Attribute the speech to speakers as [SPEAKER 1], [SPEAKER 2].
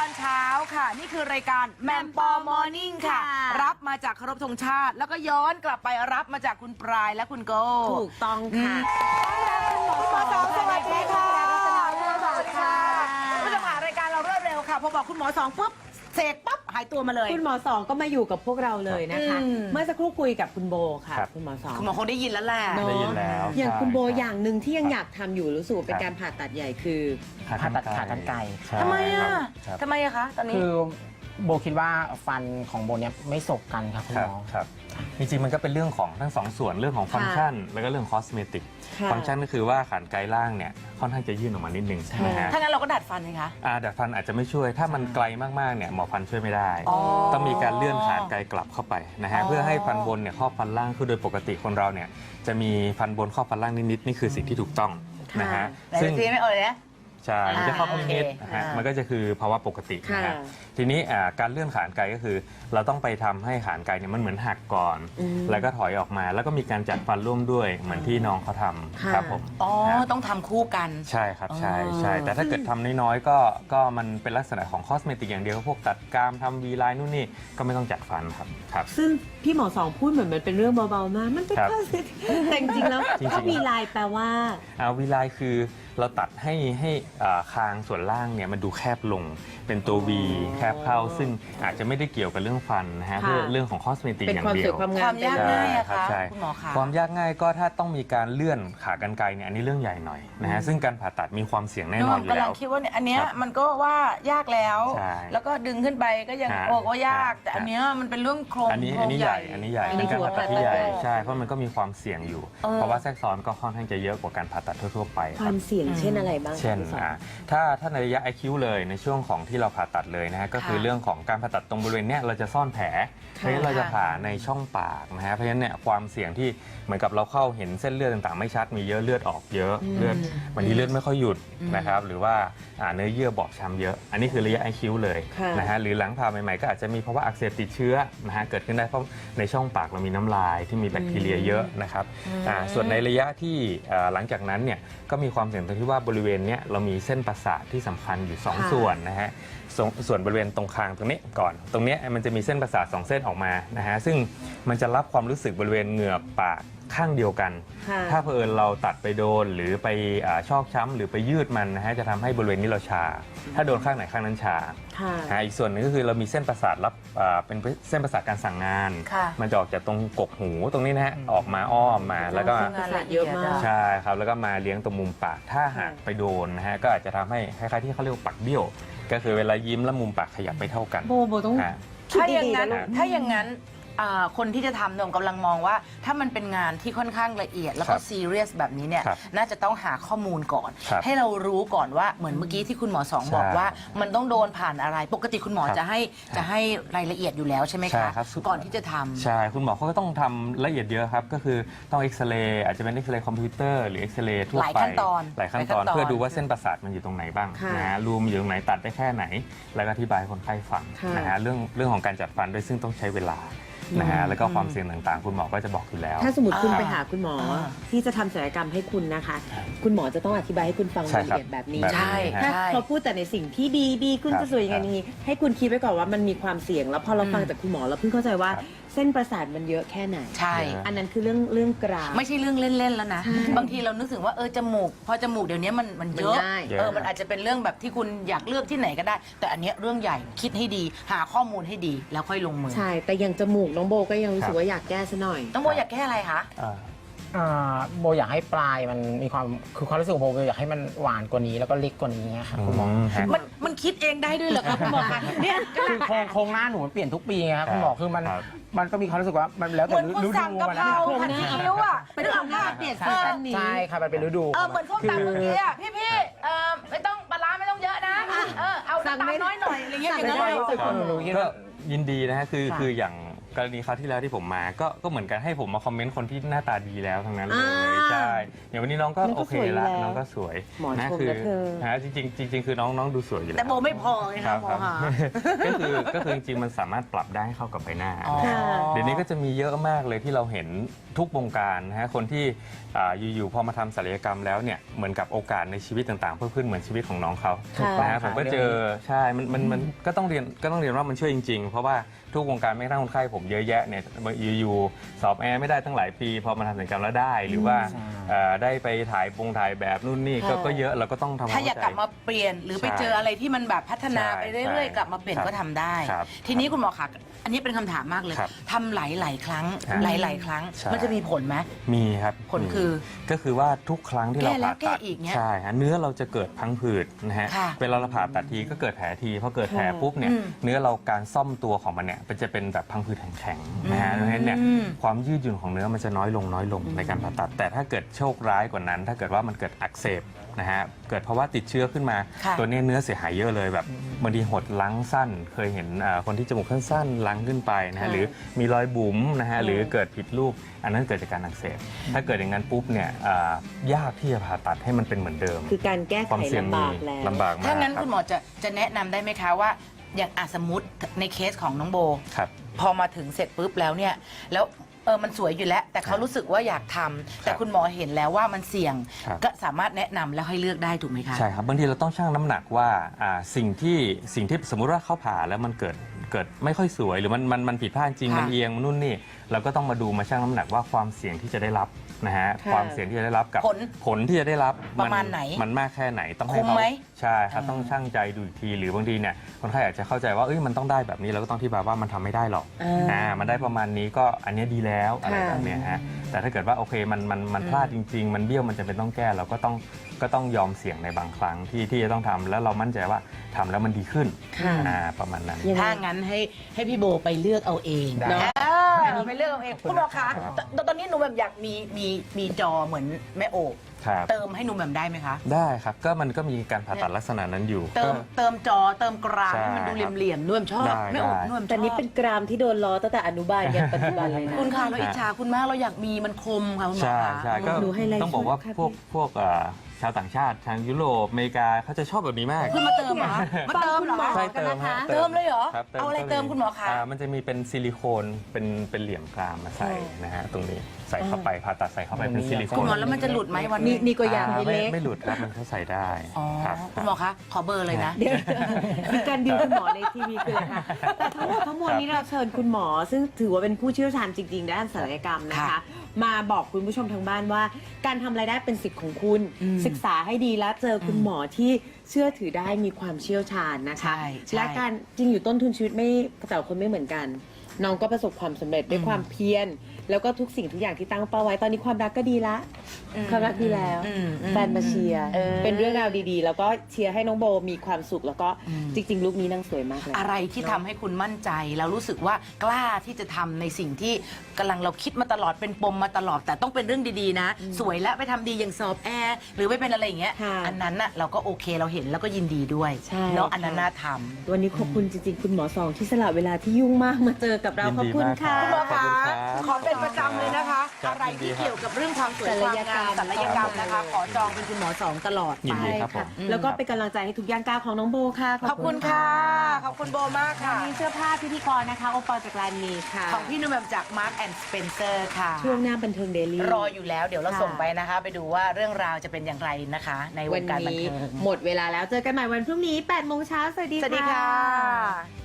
[SPEAKER 1] อนเช้าค่ะนี่คือรายการแมมปอมอร์นิ่งค่ะรับมาจากเคารพธงชาติแล้วก็ย้อนกลับไปรับมาจากคุณปลายและคุณโก้
[SPEAKER 2] ถูกต้องค่ะ
[SPEAKER 1] คุณหมอสองสวัสดีค่ะสวัสดีค่ะผู้ชมรายการเรารวดเร็วค่ะพอบอกคุณหมอสองปุ๊บเสกปั๊บหายตัวมาเลย
[SPEAKER 2] คุณหมอสองก็มาอยู่กับพวกเราเลยนะคะเมื่อสักครู่คุยกับคุณโบค่ะคุณหมอสอง
[SPEAKER 1] คุณหมอคงได้ยินแล้วแหละ
[SPEAKER 3] ได้ยินแล้ว
[SPEAKER 2] อย่างคุณโบอย่างหนึ่งที่ยังอยากทำอยู่รู้สึกเป็นการผ่าตัดใหญ่คือ
[SPEAKER 4] ผ่าตัดขากรรไกร
[SPEAKER 1] ทำไมอะคะตอนนี้
[SPEAKER 4] คือโบคิดว่าฟันของโบเนี่ยไม่สบกันครับคุณหมอ
[SPEAKER 3] ครับจริงๆมันก็เป็นเรื่องของทั้งสองส่วนเรื่องของฟังก์ชันแล้วก็เรื่องคอสเมติกฟังก์ชันก็คือว่าขากรรไกรล่างเนี่ยค่อนข้างจะยื่นออกมานิดนึงใช่ไหมฮะ
[SPEAKER 1] ถ้างั้นเราก็ดัดฟันเลยคะ
[SPEAKER 3] ดัดฟันอาจจะไม่ช่วยถ้ามันไกลมากๆเนี่ยหมอฟันช่วยไม่ได้ต้องมีการเลื่อนขากรรไกรกลับเข้าไปนะฮะเพื่อให้ฟันบนเนี่ยครอบฟันล่างคือโดยปกติคนเราเนี่ยจะมีฟันบนครอบฟันล่างนิดๆนี่คือสิ่งที่ถูกต้องนะฮะ
[SPEAKER 1] ซึ่งไม่เอาเลยนะ
[SPEAKER 3] ใช่มันจะครอบนิดๆนะฮะมันก็จะคือภาวะปกตินะฮะทีนี้การเลื่อนขากรรไกรก็คือเราต้องไปทำให้ขากรรไกรเนี่ยมันเหมือนหักก่อนแล้วก็ถอยออกมาแล้วก็มีการจัดฟันร่วมด้วยเหมือนที่น้องเขาทำครับผม
[SPEAKER 1] ต้องทำคู่กัน
[SPEAKER 3] ใช่ครับใช่แต่ถ้าเกิดทำน้อยๆก็มันเป็นลักษณะของคอสเมติกอย่างเดียวพวกตัดกรามทำวีไลน์นู่นนี่ก็ไม่ต้องจัดฟันครับ
[SPEAKER 2] ซึ่งพี่หมอสองพูดเหมือนมันเป็นเรื่องเบาๆมากมันเป็นคอสเมติกแต่จริงๆแล้วถ้าวีไลน์แปลว่า
[SPEAKER 3] วีไลน์คือเราตัดให้คางส่วนล่างเนี่ยมันดูแคบลงเป็นตัว V แคบเข้าซึ่งอาจจะไม่ได้เกี่ยวกับเรื่องฟันนะฮะเพื่อเรื่องของคอสเมติกอย่างเดียว
[SPEAKER 1] ความยากง่ายอะคะคุณหมอคะ
[SPEAKER 3] ความยากง่ายก็ถ้าต้องมีการเลื่อนขากรรไกรเนี่ยอันนี้เรื่องใหญ่หน่อยนะฮะซึ่งการผ่าตัดมีความเสี่ยงแน่นอนอยู่แล้ว
[SPEAKER 1] กำลังคิดว่าอันเนี้ยมันก็ว่ายากแล้วก็ดึงขึ้นไปก็ยังบอกว่ายากแต่อันเนี้ยมันเป็นเรื่องโครง
[SPEAKER 3] อันนี้ใหญ่เป็นการผ่าตัดที่ใหญ่ใช่เพราะมันก็มีความเสี่ยงอยู่เพราะว่าแทรกซ้อนก็ค่อนข้างจะเยอะกว่าการผ่าตัดทั่วๆไป
[SPEAKER 2] ความเสี่ยงเช่นอะไรบ้าง
[SPEAKER 3] เช่นถ้าในระยะ IQ เลยในช่วงของที่เราผ่าตัดเลยนะฮะก็คือเรื่องของการผ่าตัดตรงบริเวณเนี้ยเราจะซ่อนแผลเพราะฉะนั้นเราจะผ่าในช่องปากนะฮะเพราะฉะนั้นเนี่ยความเสี่ยงที่เหมือนกับเราเข้าเห็นเส้นเลือดต่างๆไม่ชัดมีเยอะเลือดออกเยอะเลือดวันนี้เลือดไม่ค่อยหยุดนะครับหรือว่าเนื้อเยื่อบอบช้ำเยอะอันนี้คือระยะ IQ เลยนะฮะหรือหลังผ่าใหม่ๆก็อาจจะมีภาวะอักเสบติดเชื้อนะฮะเกิดขึ้นได้เพราะในช่องปากเรามีน้ำลายที่มีแบคทีเรียเยอะนะครับส่วนในระยะที่หลังจากนั้นเนี่ยก็มีความเสี่ยงตรงที่ว่าบริเวณนี้เรามีเส้นประสาทที่สำคัญอยู่2ส่วนนะฮะส่วนบริเวณตรงคางตรงนี้ก่อนตรงนี้มันจะมีเส้นประสาท2เส้นออกมานะฮะซึ่งมันจะรับความรู้สึกบริเวณเหงือกปากข้างเดียวกันถ้าเผอิญเราตัดไปโดนหรือไปชอกช้ำหรือไปยืดมันนะฮะจะทำให้บริเวณนี้เราชาถ้าโดนข้างไหนข้างนั้นชาอีกส่วนหนึ่งก็คือเรามีเส้นประสาทรับเป็นเส้นประสาทการสั่งงานมันจะออกจากตรงกกหูตรงนี้นะฮะออกมาอ้อมมาแล้วก็
[SPEAKER 2] เยอะมาก
[SPEAKER 3] ใช่ครับแล้วก็มาเลี้ยงตรงมุมปากถ้าหากไปโดนนะฮะก็อาจจะทำให้คล้ายๆที่เขาเรียกว่าปากเบี้ยวก็คือเวลายิ้มแล้วมุมปากขยับไม่เท่ากัน
[SPEAKER 2] โบต้อง
[SPEAKER 1] ถ้าอย่างนั้นคนที่จะทำกำลังมองว่าถ้ามันเป็นงานที่ค่อนข้างละเอียดแล้วก็ซีเรียสแบบนี้เนี่ยน่าจะต้องหาข้อมูลก่อนให้เรารู้ก่อนว่าเหมือนเมื่อกี้ที่คุณหมอสองบอกว่ามันต้องโดนผ่านอะไรปกติคุณหมอจะให้รายละเอียดอยู่แล้วใช่ไหมคะก่อนที่จะทำ
[SPEAKER 3] ใช่คุณหมอเขาก็ต้องทำละเอียดเยอะครับก็คือต้องเอ็กซเรย์อาจจะเป็นเอ็กซเรย์คอมพิวเตอร์หรือเอ็กซเรย์ทั่วไปหลายขั้นตอนเพื่อดูว่าเส้นประสาทมันอยู่ตรงไหนบ้างนะฮะรูมอยู่ตรงไหนตัดได้แค่ไหนแล้วก็อธิบายคนไข้ฟังนะฮะเรื่องของการจัดฟันด้วยซึ่งต้องใช้เวลานะฮะแล้วก็ความเสี่ยงต่างๆคุณหมอก็จะบอกอยู่แล้ว
[SPEAKER 2] ถ้าสมมติคุณไปหาคุณหมอที่จะทำศัลยกรรมให้คุณนะคะคุณหมอจะต้องอธิบายให้คุณฟังรายละเอียดแบบนี้
[SPEAKER 1] ใช่
[SPEAKER 2] ถ้าเขาพูดแต่ในสิ่งที่ดีคุณจะสวยยังไงนี้ให้คุณคิดไว้ก่อนว่ามันมีความเสี่ยงแล้วพอเราฟังจากคุณหมอเราเพิ่งเข้าใจว่าเส้นประสาทมันเยอะแค่ไหน
[SPEAKER 1] ใช่
[SPEAKER 2] อันนั้นคือเรื่องกราม
[SPEAKER 1] ไม่ใช่เรื่องเล่นๆแล้วนะบางทีเรานึกถึงว่าจมูกพอจมูกเดี๋ยวนี้มันเยอะมันอาจจะเป็นเรื่องแบบที่คุณอยากเลือกที่ไหนก็ได้แต่อันนี้เรื่องใหญ่คิดให้ดีหาข้อมูลให้ดีแล้วค่อยลงมือ
[SPEAKER 2] ใช่แต่อย่างจมูกน้องโบก็ยังรู้สึกว่าอยากแก้ซะหน่อย
[SPEAKER 1] น้องโบอยากแก้อะไรคะ
[SPEAKER 4] โบอยากให้ปลายมันมีความคือความรู้สึกของโบอยากให้มันหวานกว่านี้แล้วก็เล็กกว่านี้ค่ะคุณหมอ
[SPEAKER 1] มันคิดเองได้ด้วยเหรอคะคุณหมอคะ
[SPEAKER 4] เนี่ยคือโครงหน้าหนูมันเปลี่ยนทุกปีไงครับคุณหมอคือมันก็มีความรู้สึกว่ามันแล้วแต่ฤดู
[SPEAKER 1] มันนะโครงหน้าคิ้วอ่ะเป็นเรื่องหน้า
[SPEAKER 2] เปลี่ยนซีซั่นนี้
[SPEAKER 4] ใช่ค่ะมันเป็นฤดู
[SPEAKER 1] เหมือนพวกตำเมื่อกี้อ่ะพี่ไม่ต้องปลาร้าไม่ต้องเยอะนะเอาน้ำตาลน้อยหน่อยอะไรเงี้ยอย่างนั้นเลย
[SPEAKER 3] ก็ยินดีนะฮะคืออย่างกรณีคราวที่แล้วที่ผมมาก็เหมือนกันให้ผมมาคอมเมนต์คนที่หน้าตาดีแล้วทั้งนั้นเลย
[SPEAKER 2] อ่า
[SPEAKER 3] ใช่อย่างวันนี้น้องก็
[SPEAKER 2] น้องก็
[SPEAKER 3] โอเค
[SPEAKER 2] สวยอยู่
[SPEAKER 3] ละ
[SPEAKER 2] แล้ว
[SPEAKER 3] น้องก็สวย
[SPEAKER 2] หมอชม
[SPEAKER 3] คื
[SPEAKER 2] นะเธอ
[SPEAKER 3] ฮะจริงๆคือน้องดูสวยอยู่แล้ว
[SPEAKER 1] แต่โบไม่พอไง
[SPEAKER 3] ค
[SPEAKER 1] คะ
[SPEAKER 3] รับ
[SPEAKER 1] หมอ
[SPEAKER 3] ครับ
[SPEAKER 1] หา
[SPEAKER 3] ก็คือจริงๆมันสามารถปรับได้ให้เข้ากับใบหน้า
[SPEAKER 1] อ๋อ
[SPEAKER 3] นะฮะเดี๋ยวนี้ก็จะมีเยอะมากเลยที่เราเห็นทุกวงการนะฮะคนที่อยู่ๆพอมาทำศัลยกรรมแล้วเนี่ยเหมือนกับโอกาสในชีวิตต่างๆเพิ่มขึ้นเหมือนชีวิตของน้องเขา
[SPEAKER 2] ถูกต้อง
[SPEAKER 3] นะฮะผมก็เจอใช่มันก็ต้องเรียนว่ามันช่วยจริงๆ เพราะว่าทุกวงการไม่กระทั่งคนไข้ผมเยอะแยะเนี่ยอยู่ๆสอบแอร์ไม่ได้ตั้งหลายปีพอมาทำศัลยกรรมแล้วได้ หรือว่าได้ไปถ่ายแบบนู่นนี่ก็เยอะเราก็ต้องทำ
[SPEAKER 1] ถ้าอยากกลับมาเปลี่ยนหรือไปเจออะไรที่มันแบบพัฒนาไปเรื่อยๆ กลับมาเปลี่ยน
[SPEAKER 3] ครับ
[SPEAKER 1] ก็ทำได้
[SPEAKER 3] ครับ
[SPEAKER 1] ทีนี้คุณหมอคะอันนี้เป็นคำถามมากเลย
[SPEAKER 3] ครับ
[SPEAKER 1] ทำหลายๆครั้ง
[SPEAKER 3] ครับ
[SPEAKER 1] หลายๆครั้ง
[SPEAKER 3] ใช่
[SPEAKER 1] มันจะมีผลไหม
[SPEAKER 3] มีครับ
[SPEAKER 1] ผลคือ
[SPEAKER 3] ก็คือว่าทุกครั้งที่เรา
[SPEAKER 1] แก้แล้ว
[SPEAKER 3] ผ่าตัด
[SPEAKER 1] แก้อีกเนี่ย
[SPEAKER 3] ใช่ฮะเนื้อเราจะเกิดพังผืดนะฮะ
[SPEAKER 1] ค่ะ
[SPEAKER 3] เวลาเราผ่าตัดทีก็เกิดแผลทีพอเกิดแผลปุ๊บเนี่ย
[SPEAKER 1] อืม
[SPEAKER 3] เนื้อเราการซ่อมตัวของมันเนี่ยมันจะเป็นแบบพังผืดแข็งๆนะฮะดังนั้นเนี่ย
[SPEAKER 1] อืม
[SPEAKER 3] ความยืดหยุ่นของเนื้อมันจะน้อยลงในการผ่าตัด แต่ถ้าเกิดโชคร้ายกว่านั้น ถ้าเกิดว่ามันเกิดอักเสบนะฮะเกิดภาวะติดเชื้อขึ้นมา
[SPEAKER 1] ค่ะ
[SPEAKER 3] ตัวเนี้ยเนื้อเสียหายเยอะเลยแบบบางทีหดลังสั้น เคยเห็นคนที่จมูกสั้นๆลังขึ้นไปนะฮะหรือมีรอยบุ๋มนะฮะหรือเกิดผิดรูปอันนั้นเกิดจากการอักเสบถ้าเกิดอย่างนั้นปุ๊บเนี่ยยากที่จะผ่าตัดให้มันเป็นเหมือนเดิม
[SPEAKER 2] คือการแก้
[SPEAKER 3] ควา
[SPEAKER 2] ไข
[SPEAKER 3] มเสี่ยง
[SPEAKER 2] ลำ
[SPEAKER 3] มี
[SPEAKER 2] บากแล้ว
[SPEAKER 3] ลำบากมาก
[SPEAKER 1] ถ้างั้น
[SPEAKER 3] รับ
[SPEAKER 1] คุณหมอจะแนะนำได้ไหมคะว่า อย่างสมมติในเคสของน้องโบ
[SPEAKER 3] ครับ
[SPEAKER 1] พอมาถึงเสร็จปุ๊บแล้วเนี่ยแล้วมันสวยอยู่แล้ว แต่เขารู้สึกว่าอยากทำแต่คุณหมอเห็นแล้วว่ามันเสี่ยง
[SPEAKER 3] ครับ
[SPEAKER 1] ก็สามารถแนะนำแล้วให้เลือกได้ถูกไหมคะ
[SPEAKER 3] ใช่ครับบางทีเราต้องชั่งน้ำหนักว่าสิ่งที่สมมุติว่าเขาผ่าแล้วมันเกิดไม่ค่อยสวยหรือมันผิดพลาดจริง
[SPEAKER 1] ค่ะ
[SPEAKER 3] มันเอียงมันนู่นนี่เราก็ต้องมาดูมาชั่งน้ำหนักว่าความเสี่ยงที่จะได้รับนะฮะ
[SPEAKER 2] ค่ะ
[SPEAKER 3] ความเสี่ยงที่จะได้รับกับ
[SPEAKER 1] ผล
[SPEAKER 3] ที่จะได้รับ
[SPEAKER 1] ประมาณไหน
[SPEAKER 3] มันมากแค่ไหนต้องให้
[SPEAKER 1] คุ้ม
[SPEAKER 3] เขา
[SPEAKER 1] ไหม
[SPEAKER 3] ใช่ครับต้องชั่งใจดูอีกทีหรือบางทีเนี่ยคนไข้อาจจะเข้าใจว่ามันต้องได้แบบนี้เราก็ต้องอธิบายว่ามันทำไม่ได้หรอก มันได้ประมาณนี้ก็อันเนี้ยดีแล้วอะไรแบบเนี้ยฮะแต่ถ้าเกิดว่าโอเคมันพลาดจริง ๆ มันเบี้ยวมันจะเป็นต้องแก้เราก็ต้องยอมเสี่ยงในบางครั้งที่จะต้องทำแล้วเรามั่นใจว่าทำแล้วมันดีขึ้น
[SPEAKER 2] ค่ะ
[SPEAKER 3] ประมาณนั้น
[SPEAKER 2] ยังไง
[SPEAKER 1] ถ้างั้นให้พี่โบไปเลือกเอาเอง
[SPEAKER 4] ได้
[SPEAKER 1] เนาะไปเลือกเอาเองคุณหมอคะตอนนี้หนูแบบอยากมีจอเหมือนแม่โอบ
[SPEAKER 3] ครับ
[SPEAKER 1] เติมให้หนูแบบได้ไหมคะ
[SPEAKER 3] ได้ครับก็มันก็มีการผ่าตัดลักษณะนั้นอยู่
[SPEAKER 1] เติมจอเติมกราม
[SPEAKER 3] ใช่
[SPEAKER 1] ให้มันดูเหลี่ยมๆนุ่มชอบ
[SPEAKER 3] ได้
[SPEAKER 1] แม่โอบ
[SPEAKER 3] ได้
[SPEAKER 1] นุ่มชอบ
[SPEAKER 2] แต่นี่เป็นกรามที่โดนล้อตั้งแต่อนุบาลยันปัจจุบันเลยนะ
[SPEAKER 1] คุณค่ะเราอิจฉาคุณมากเราอยากมีมันคมค่ะคุณหมอ
[SPEAKER 3] ใช่
[SPEAKER 1] คะ
[SPEAKER 3] ใช่ก็
[SPEAKER 2] หนูให้ไลฟ์
[SPEAKER 3] ต้องบอกว่า
[SPEAKER 2] สดค่ะ
[SPEAKER 3] พวกชาวต่างชาติทางยุโรปอเมริกาเขาจะชอบแบบนี้มาก
[SPEAKER 1] คือมาเติมเหรอมาเติมเหรอ
[SPEAKER 2] ฟังคุณหมอ
[SPEAKER 3] ใช่เติมฮะ
[SPEAKER 1] เติมเลยเหรอ
[SPEAKER 3] ครับ
[SPEAKER 1] เอาอะไรเติมคุณหมอคะ
[SPEAKER 3] มันจะมีเป็นซิลิโคนเป็นเหลี่ยมกรามมาใส่นะฮะตรงนี้ใส่เข้าไปผ่าตัดใส่เข้าไปเป็นซิลิโค
[SPEAKER 1] คุณ
[SPEAKER 3] น
[SPEAKER 1] หมอแล้วมันจะหลุดไหมวัน
[SPEAKER 2] นี่
[SPEAKER 1] นี้
[SPEAKER 2] นี่ก็อยากให้เล็ก
[SPEAKER 3] ไม่หลุดครับมันก็ใส่ได้
[SPEAKER 1] อ๋อ
[SPEAKER 3] ครับ
[SPEAKER 1] คุณหมอคะขอเบอร์เลยนะ
[SPEAKER 2] เดี๋ยวมีการดิวคุณหมอในทีวีคืออะไรคะแต่ทั้งหมดทั้งมวลนี้เราเชิญคุณหมอ ซึ่งถือว่าเป็นผู้เชี่ยวชาญจริงๆด้านศัลยกรรมนะคะ
[SPEAKER 1] ค่ะ
[SPEAKER 2] มาบอกคุณผู้ชมทางบ้านว่า การทำรายได้เป็นสิทธิ์ของคุณ
[SPEAKER 1] อืม
[SPEAKER 2] ศึกษาให้ดีและเจอคุณหมอที่เชื่อถือได้มีความเชี่ยวชาญนะคะ
[SPEAKER 1] ใช่ใช่
[SPEAKER 2] และการจริงอยู่ต้นทุนชีวิตไม่แต่ละคนไม่เหมือนกัน น้องก็ประสบความสำเร็จด้วยความเพียรแล้วก็ทุกสิ่งทุกอย่างที่ตั้งเป้าไว้ตอนนี้ความรักก็ดีละ ความรักดีแล้ว แฟนมาเชียร์เป็นเรื่องราวดีๆ แล้วก็เชียร์ให้น้องโบมีความสุขแล้วก็จริงๆลุคนี้นางสวยมากเลย
[SPEAKER 1] อะไรที่ทำให้คุณมั่นใจแล้วรู้สึกว่ากล้าที่จะทำในสิ่งที่กำลังเราคิดมาตลอดเป็นปมมาตลอด แต่ต้องเป็นเรื่องดีๆนะ สวยและไปทำดีอย่างสอบแอร์หรือไม่เป็นอะไรอย่างเงี้ย
[SPEAKER 2] ค่ะ
[SPEAKER 1] อันนั้นน่ะเราก็โอเคเราเห็นแล้วก็ยินดีด้วย
[SPEAKER 2] ใช่
[SPEAKER 1] เนาะ
[SPEAKER 2] ค่ะ
[SPEAKER 1] อันนั้นน่าท
[SPEAKER 2] วันนี้ขอบคุณจริงๆ คุณหมอสองที่สละเวลาที่ยุ่งมากมาเจอกับเรา
[SPEAKER 3] ยิน
[SPEAKER 2] ขอบ
[SPEAKER 3] ดี
[SPEAKER 2] คุณ
[SPEAKER 3] มาก
[SPEAKER 2] ค่ะ
[SPEAKER 1] ำคุณหมอ
[SPEAKER 3] ขอบ
[SPEAKER 1] คะ
[SPEAKER 3] คุณครับ
[SPEAKER 1] ขอเป็นประจำเลยนะคะ
[SPEAKER 3] ครับ
[SPEAKER 1] อะไร
[SPEAKER 3] ยินดี
[SPEAKER 1] ที่
[SPEAKER 3] ครับ
[SPEAKER 1] เกี่ยวกับเรื่องความสวยความงามศัลยกรรมนะคะ ขอจองเป็นคุณหมอสองตลอด
[SPEAKER 3] ยิน
[SPEAKER 1] ไป
[SPEAKER 3] ดีครับผม
[SPEAKER 2] แล้วก็เป็นกำลังใจให้ทุกย่างก้าวของน้องโบค่ะ
[SPEAKER 1] ขอบคุณค่ะ ขอบคุณโบมากค่ะ
[SPEAKER 2] วันนี้เสื้อผ้าพิธีกรนะคะโอปอลจากลานมีค่ะ
[SPEAKER 1] ของพี่นุ่มแบบจาก Mark and Spencer ค่ะ
[SPEAKER 2] ช่วงหน้าบันเทิงเดลี่
[SPEAKER 1] รออยู่แล้วเดี๋ยวเรา
[SPEAKER 2] ค่ะ
[SPEAKER 1] ส่งไปนะคะ ไปดูว่าเรื่องราวจะเป็นอย่างไรนะคะ ในว
[SPEAKER 2] วั
[SPEAKER 1] ง
[SPEAKER 2] น
[SPEAKER 1] การบัน
[SPEAKER 2] นี้
[SPEAKER 1] เทิง
[SPEAKER 2] หมดเวลาแล้วเจอกันใหม่วันพรุ่งนี้8 โมงเช้าสวัสดี
[SPEAKER 1] สวัสดีค่ะ